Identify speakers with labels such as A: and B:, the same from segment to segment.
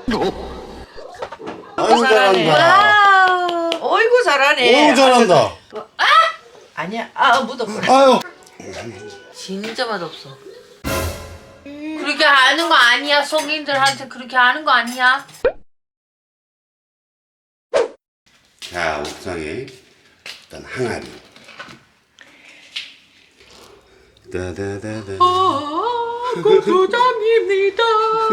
A: 아이고
B: 잘하네.
A: 잘한다.
B: 어이구 잘하네.
A: 오 잘한다.
B: 아니야. 묻었구나.
A: 아유.
C: 진짜 맛없어. 그렇게 하는 거 아니야. 성인들한테 그렇게 하는 거 아니야.
A: 자 옥상에 일단 항아리. 다다다다.
C: 고추장입니다.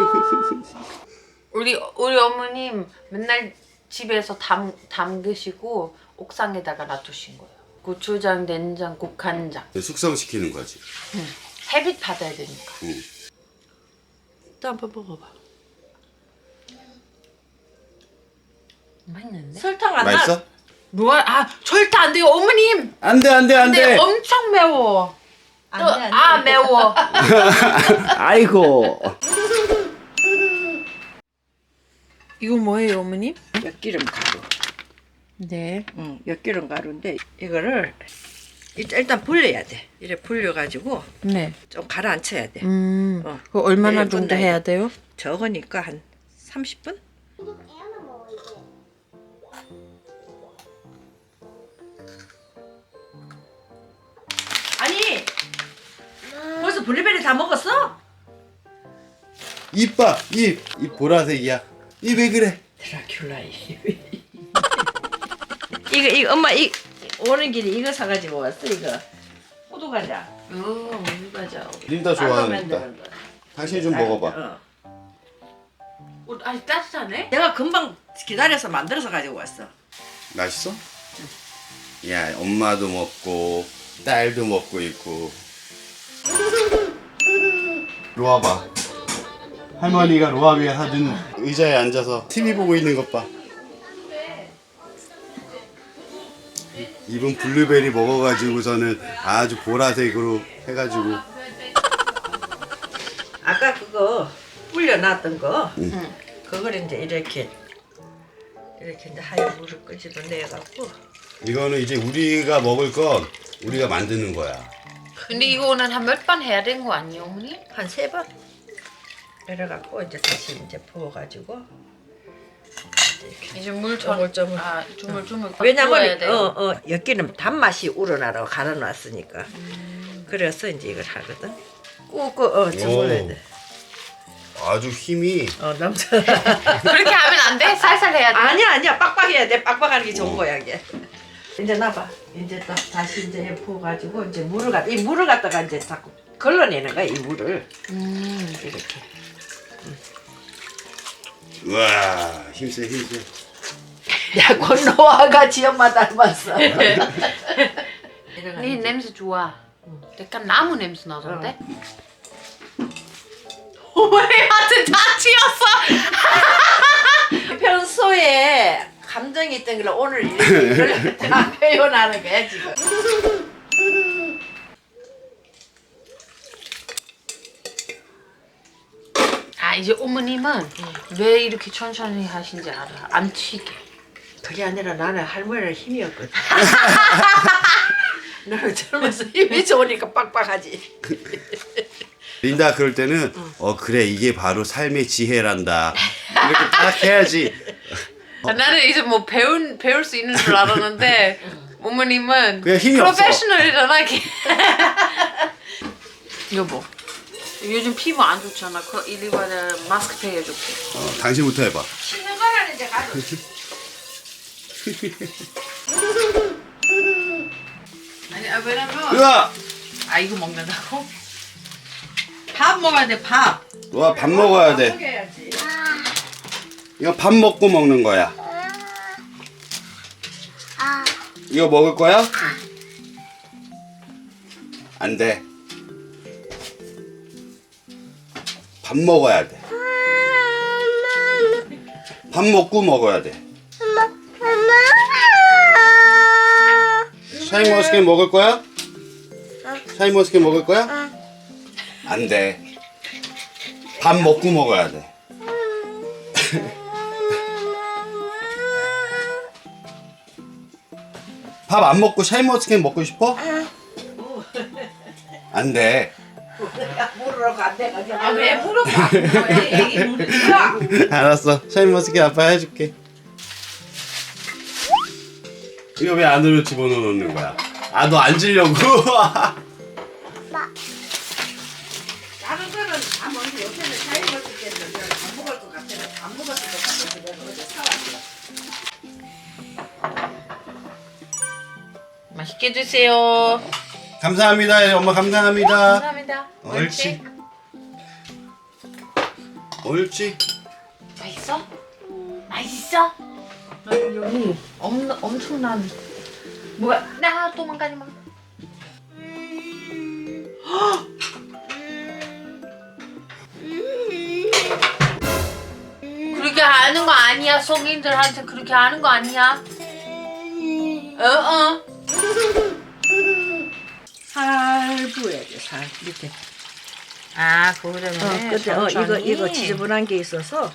C: 우리 어머님 맨날 집에서 담그시고 옥상에다가 놔두신 거예요. 고추장, 된장, 국간장.
A: 숙성시키는 거지.
C: 햇빛 받아야 되니까.
A: 응.
C: 또 한번 먹어봐. 맛있는데?
B: 설탕 안
A: 맛있어?
B: 나.
C: 뭐야? 절대 안 돼요, 어머님.
A: 안돼 안돼
C: 근데
A: 안돼.
C: 엄청 매워.
B: 안 돼, 안 돼.
C: 매워.
A: 아이고.
C: 이거 뭐예요, 어머님?
B: 엿기름 가루.
C: 네.
B: 엿기름 가루인데 이거를 일단 불려야 돼. 이래 불려가지고
C: 네.
B: 좀 가라앉혀야 돼.
C: 그거 얼마나
B: 네,
C: 정도
B: 끝나요.
C: 해야 돼요?
B: 적으니까 한 30분? 아니 벌써 블루베리 다 먹었어?
A: 입 봐. 입 보라색이야. 입 왜 그래?
B: 드라큘라 이거 엄마 오는 길에 이거 사가지고 왔어 이거 호두과자.
C: 맞아.
A: 린다 좋아하니까. 당신이 좀 먹어봐.
C: 아니 따뜻하네?
B: 내가 금방 기다려서 만들어서 가지고 왔어.
A: 맛있어? 야 엄마도 먹고 딸도 먹고 있고. 로아봐. 할머니가 로아 위에 사준 의자에 앉아서 TV 보고 있는 것 봐. 입은 블루베리 먹어가지고서는 아주 보라색으로 해가지고.
B: 아까 그거 불려놨던 거 그걸 이제 이렇게 이제 하얀 물을 끄집어내갖고
A: 이거는 이제 우리가 먹을 건 우리가 만드는 거야.
C: 근데 이거는 한 몇 번 해야 되는 거 아니에요, 어머니?
B: 한 3번 내려갖고 이제 다시 이제 부어가지고
C: 이제 물
B: 조물조물.
C: 조물조물
B: 왜냐면
C: 돼요.
B: 엿기름 단맛이 우러나라고 갈아놨으니까 그래서 이제 이걸 하거든. 꾹꾹 저물러야 돼.
A: 아주 힘이.
B: 남자.
C: 그렇게 하면 안 돼? 살살 해야 돼.
B: 아니야 빡빡해야 돼. 빡빡하는 게 좋은 거야 이게. 이제 놔봐. 이제 또 다시 이제 부어가지고 이제 이 물을 갖다가 이제 자꾸 걸러내는 거야 이 물을. 이렇게.
A: 우와 힘세.
B: 야 건너와가 지엄마 닮았어.
C: 네 냄새 좋아. 약간 나무 냄새 나던데? 어머니한테 다 튀었어.
B: 평소에 감정이 있던 걸 오늘 이렇게 다 표현하는 거야 지금.
C: 이제 어머님은 왜 이렇게 천천히 하신지 알아. 안 튀게.
B: 그게 아니라 나는 할머니는 힘이 없거든. 나는 젊어서 힘이 좋으니까 빡빡하지.
A: 린다 그럴 때는 그래 이게 바로 삶의 지혜란다. 이렇게 딱 해야지.
C: 나는 이제 뭐 배울 수 있는 줄 알았는데 어머님은
A: 그냥 힘이 없어.
C: 프로페셔널이잖아. 여보, 요즘 피부 안 좋잖아. 이리 와서 마스크팩 해줄게.
A: 당신부터 해봐.
B: 쉬는 거는 이제 가져.
C: 아니 왜냐면
A: 으아!
C: 이거 먹는다고? 밥 먹어야 돼 밥.
A: 로아 밥 먹어야 돼.
B: 먹여야지.
A: 이거 밥 먹고 먹는 거야. 이거 먹을 거야? 안 돼. 밥 먹어야 돼. 밥 먹고 먹어야 돼. 샤인머스켓 먹을 거야? 샤인머스켓 먹을 거야? 안 돼. 밥 먹고 먹어야 돼. 밥 안 먹고 샤인머스켓 먹고 싶어? 안 돼.
B: 내가 물으러 간대 가지고.
C: 아왜 물어봐? 애기 물으라.
A: 알았어. 샤인머스켓 아빠 해줄게. 이거 왜 안으로 집어넣는 거야? 아, 너 앉으려고?
B: 다른 거는 다 먹는데 요새는 샤인머스켓은 내가 안 먹을 것 같아서 안 먹었을 것 같아서 내가 어제 사왔어.
C: 맛있게 드세요.
A: 감사합니다. 엄마 감사합니다.
C: 감사합니다.
A: 옳지. 옳지.
C: 맛있어? 맛있어? 여기 엄청난 뭐야? 나 도망가지 마. 그렇게 하는 거 아니야. 성인들한테 그렇게 하는 거 아니야.
B: 살 부어야 돼, 살 밑에.
C: 아 그거 때문에.
B: 근데 이거 지저분한 게 있어서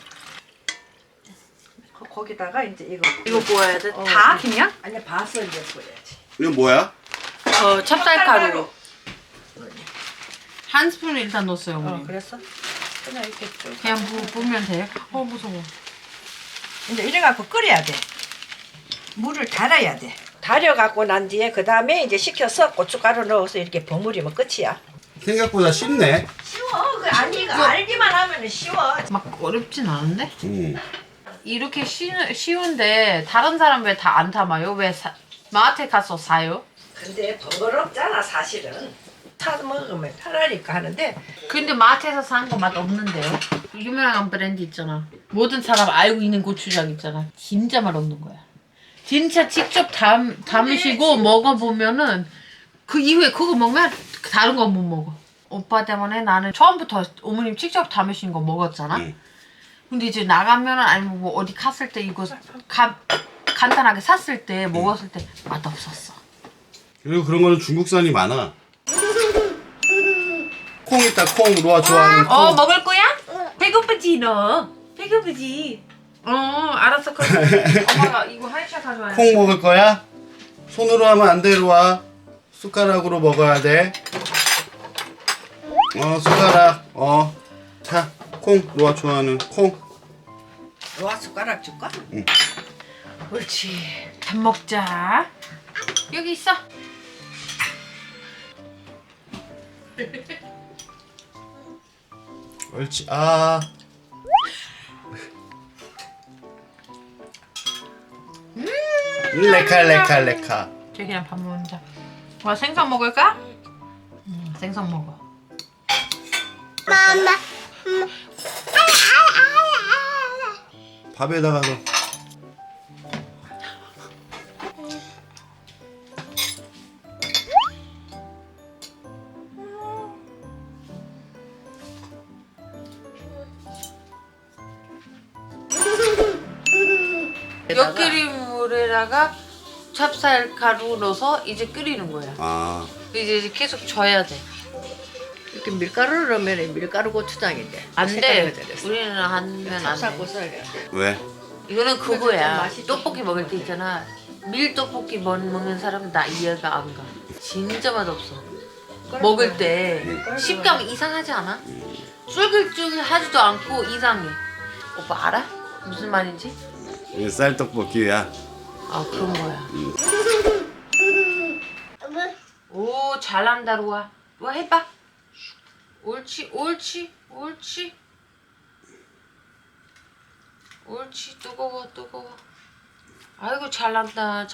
B: 거기다가 이제
C: 이거 구워야 돼?
B: 어.
C: 다 그냥?
B: 아니 봐서 이제 구워야지.
A: 이건 뭐야?
C: 찹쌀가루 한 스푼 일단 넣었어요 어머니.
B: 그랬어? 그냥 이렇게 쭉.
C: 그냥 부으면 돼. 무서워.
B: 이제 이래갖고 끓여야 돼. 물을 달아야 돼. 달여갖고 난 뒤에 그 다음에 이제 식혀서 고춧가루 넣어서 이렇게 버무리면 끝이야.
A: 생각보다 쉽네.
B: 쉬워. 이거 알기만 하면 쉬워.
C: 막 어렵진 않은데?
A: 음.
C: 이렇게 쉬운데 다른 사람 왜 다 안 담아요? 왜 마트에 가서 사요?
B: 근데 번거롭잖아 사실은. 사 먹으면 편하니까 하는데
C: 근데 마트에서 산 거 맛 없는데요? 유명한 브랜드 있잖아. 모든 사람 알고 있는 고추장 있잖아. 진짜 맛 없는 거야. 진짜 직접 담으시고 먹어보면은 그 이후에 그거 먹으면 다른 거 못 먹어. 오빠 때문에 나는 처음부터 어머님 직접 담으신 거 먹었잖아. 근데 이제 나가면은 아니면 뭐 어디 갔을 때 이거 간단하게 샀을 때 먹었을 때 맛 없었어.
A: 그리고 그런 거는 중국산이 많아. 콩 있다, 콩. 로아 좋아하는 콩.
C: 먹을 거야? 배고프지 너? 배고프지? 알았어. 그럼 엄마가 이거 한샷 가져와야 돼.
A: 콩 먹을 거야? 손으로 하면 안 돼, 로아. 숟가락으로 먹어야 돼. 숟가락. 자, 콩. 로아 좋아하는 콩.
B: 로아 숟가락 줄까?
C: 옳지. 밥 먹자. 여기 있어.
A: 옳지. 아. 레카.
C: 저기랑 밥 먹자. 와 생선 먹을까? 생선 먹어.
A: 밥에다가 넣어.
C: 엿끓인 물에다가 찹쌀가루 넣어서 이제 끓이는 거야.
A: 아.
C: 이제 계속 져야 돼.
B: 이렇게 밀가루를 넣으면 밀가루 고추장인데.
C: 안 돼. 우리는 하면 안
B: 찹쌀고
C: 돼.
B: 썰어야 돼.
A: 왜?
C: 이거는
B: 좀
C: 그거야.
B: 맛이
C: 떡볶이 먹을 때 있잖아. 밀떡볶이 먹는 사람은 나 이해가 안 가. 진짜 맛없어. 먹을 때 식감 이상하지 않아? 쫄깃쫄깃하지도 않고 이상해. 오빠 알아? 무슨 말인지?
A: 이게 쌀떡볶이야.
C: 아 그런 거야. 오 잘한다 로아. 로아 해봐. 옳지. 뜨거워. 아이고 잘난다.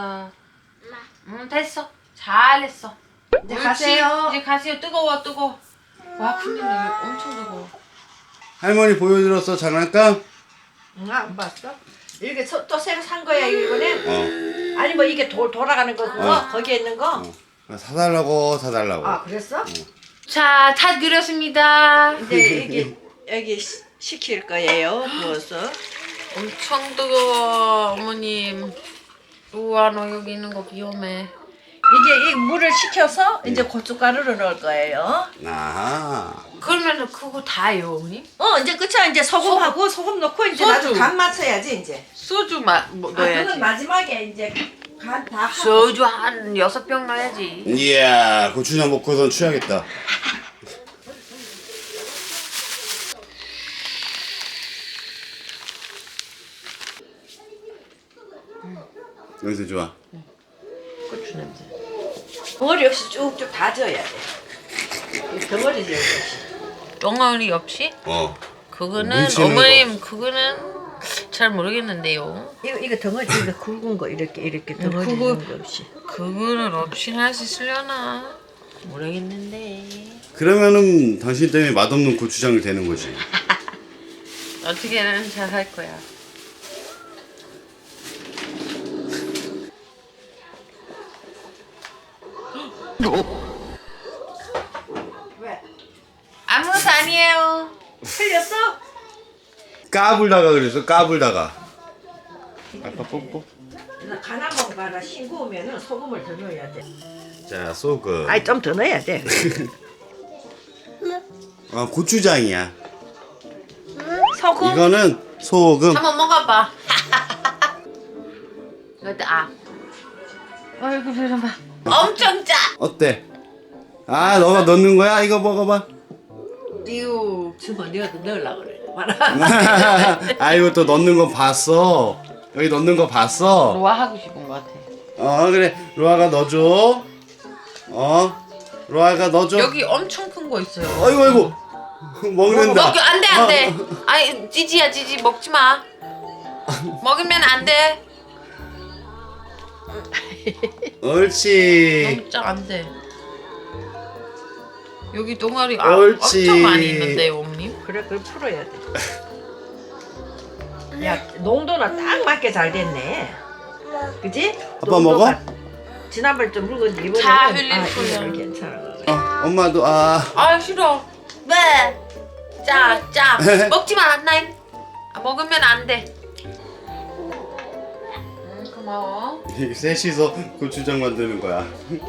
C: 됐어. 잘했어.
B: 이제 가세요.
C: 이제 가세요. 뜨거워. 와 근데 이게 엄청 뜨거워.
A: 할머니 보여드렸어, 장난감?
B: 안 봤어? 이렇게 또 새로 산 거야 이번에?
A: 어.
B: 아니 뭐 이게 돌아가는 거 그거? 거기에 있는 거?
A: 사달라고.
B: 아 그랬어?
C: 자, 다 그렸습니다.
B: 이제 여기 식힐 거예요 부어서.
C: 엄청 뜨거워, 어머님. 우와, 너 여기 있는 거 위험해.
B: 이게 이 물을 식혀서 이제 고춧가루를 넣을 거예요.
A: 아.
C: 그러면 그거 다예요, 어머님?
B: 이제 끝이야. 이제 소금하고 소금 넣고 이제
C: 소주.
B: 나도 간 맞춰야지 이제.
C: 소주
B: 그건
C: 넣어야지.
B: 마지막에 이제 간 다 하고.
C: 소주 한 6병 넣어야지.
A: 이야, 고추장 먹고선 취하겠다. 냄새 좋아.
C: 고추 냄새.
B: 덩어리 없이 쭉쭉 다져야 돼. 이 덩어리 지어야 돼.
C: 덩어리 없이? 그거는
A: 뭉치는
C: 어머님 그거는 잘 모르겠는데요.
B: 이거 덩어리 이거 굵은 거 이렇게 덩어리
C: 그거-
B: 있는 거 없이.
C: 그거는 없이 할 수 있으려나? 모르겠는데.
A: 그러면은 당신 때문에 맛없는 고추장이 되는 거지.
C: 어떻게든 잘 할 거야.
B: 왜?
C: 아무것도 아니에요.
B: 틀렸어?
A: 까불다가 그랬어. 까불다가. 아빠 뽀뽀.
B: 간 한번 봐라. 싱거우면은 소금을 더 넣어야 돼.
A: 자, 소금.
B: 아니 좀 더 넣어야 돼.
A: 고추장이야.
B: 소금.
A: 이거는 소금.
C: 한번 먹어봐. 이것도 아이고 표정 봐. 엄청 짜.
A: 어때? 아, 너가 넣는 거야? 이거 먹어봐.
B: 이거 주면 네가 더 넣으려고 그래. 봐라.
A: 아이고 또 넣는 거 봤어. 여기 넣는 거 봤어.
C: 로아 하고 싶은 것 같아.
A: 그래. 로아가 넣어줘. 로아가 넣어줘.
C: 여기 엄청 큰 거 있어요.
A: 아이고 먹는다.
C: 먹 안돼. 아니 찌지야 찌지 먹지 마. 먹으면 안 돼.
A: 옳지.
C: 너무 안 돼. 여기 동아리
A: 옳지.
C: 엄청 많이 있는데요, 어머님.
B: 그래 그걸 풀어야 돼. 야 농도나 딱 맞게 잘 됐네. 그지?
A: 아빠 먹어?
B: 지난번에 좀 묽은데 이번에는
C: 다 흘릴 거야.
B: 이거는 괜찮아.
A: 엄마도
C: 아 싫어. 왜? 짜. 먹지 마, 나인. 먹으면 안 돼. 고마워.
A: 셋이서 고추장 만드는 거야.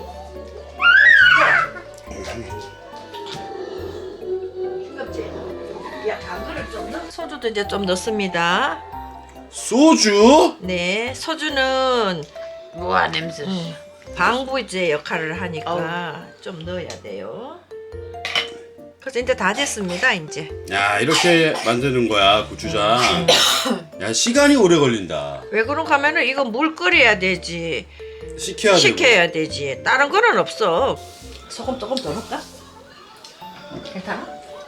B: 싱겁지? 야 당근을 좀 넣어. 소주도 이제 좀 넣습니다.
A: 소주?
B: 네, 소주는
C: 우와 냄새.
B: 방부제 역할을 하니까 좀 넣어야 돼요. 그래서 이제 다 됐습니다. 이제
A: 야, 이렇게 만드는 거야 고추장. 야, 시간이 오래 걸린다.
B: 왜 그런가 하면은 이거 물 끓여야 되지,
A: 식혀야 되고.
B: 식혀야 되지. 다른 거는 없어. 소금 조금 더 넣을까? 괜찮아?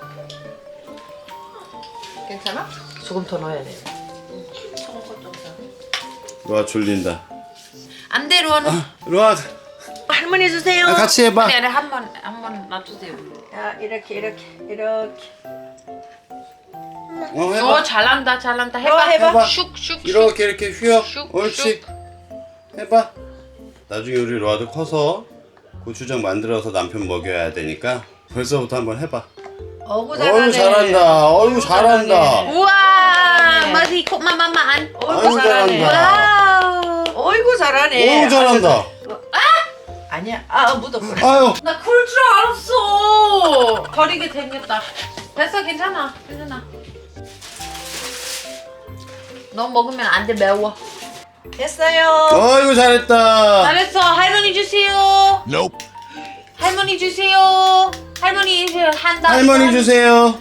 B: 괜찮아? 조금 더 넣어야 돼. 소금 좀 더.
A: 로아 졸린다.
C: 안 돼, 로아.
A: 로아
B: 할머니 주세요.
A: 같이 해봐.
C: 네, 한번 놔주세요.
B: 야, 이렇게.
A: 해봐.
C: 잘한다. 해봐.
A: 해봐.
C: 슉.
A: 이렇게 휘어.
C: 슉,
A: 옳지. 해봐. 나중에 우리 로아도 커서 고추장 만들어서 남편 먹여야 되니까 벌써부터 한번 해봐.
B: 어구
A: 어이구 잘한다. 어이구 잘한다.
C: 우와, 머리 콧마마마 안.
A: 아이고 잘한다.
C: 와우.
B: 어이구 잘하네.
A: 어이구 잘한다.
B: 아니야. 묻었구나.
A: 아유.
C: 나 그럴 줄 알았어. 버리게 생겼다. 됐어, 괜찮아. 너 먹으면 안 돼, 매워.
B: 됐어요.
A: 어이구 잘했다.
C: 잘했어. 할머니 주세요.
A: Nope.
C: 할머니 주세요. 할머니 이제 한다.
A: 할머니 주세요.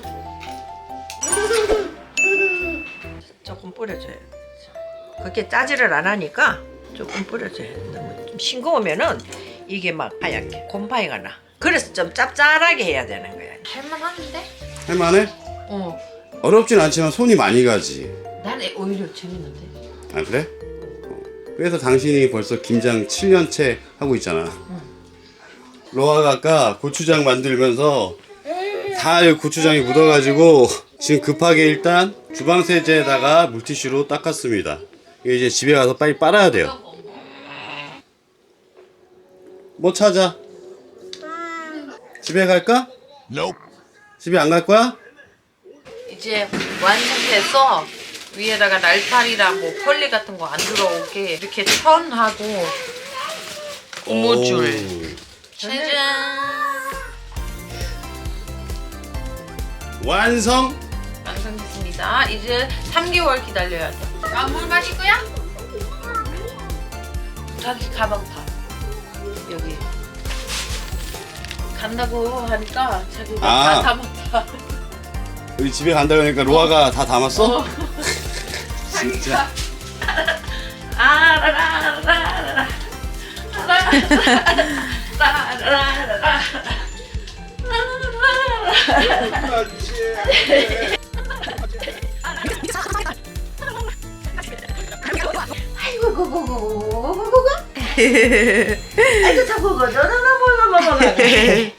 B: 조금 뿌려줘요. 그렇게 짜지를 안 하니까 조금 뿌려줘요. 너무 좀 싱거우면은 이게 막 하얗게 곰팡이가 나. 그래서 좀 짭짤하게 해야 되는 거야.
C: 할만한데?
A: 할만해? 어렵진 않지만 손이 많이 가지.
C: 난 오히려 재밌는데.
A: 아 그래? 그래서 당신이 벌써 김장 7년째 하고 있잖아. 로아가 아까 고추장 만들면서 다 여기 고추장이 묻어가지고 지금 급하게 일단 주방 세제에다가 물티슈로 닦았습니다. 이거 이제 집에 가서 빨리 빨아야 돼요. 뭐 찾아? 집에 갈까? 집에 안 갈 거야?
C: 이제 완성돼서 위에다가 날파리랑 뭐 펄리 같은 거 안 들어오게 이렇게 천하고 고무줄. 짜잔.
A: 완성!
C: 완성됐습니다. 이제 3개월 기다려야 돼. 물 마실 거야? 자기 가방 다 여기 간다고 하니까 자기가
A: 아.
C: 다 담았다.
A: 우리 집에 간다고 하니까 로아가 다 담았어?
C: 진짜. 아라라라라라. 아라라라라라.
B: 아이고 고고고고고고고고. 아이고 자고고 너너너너너너너.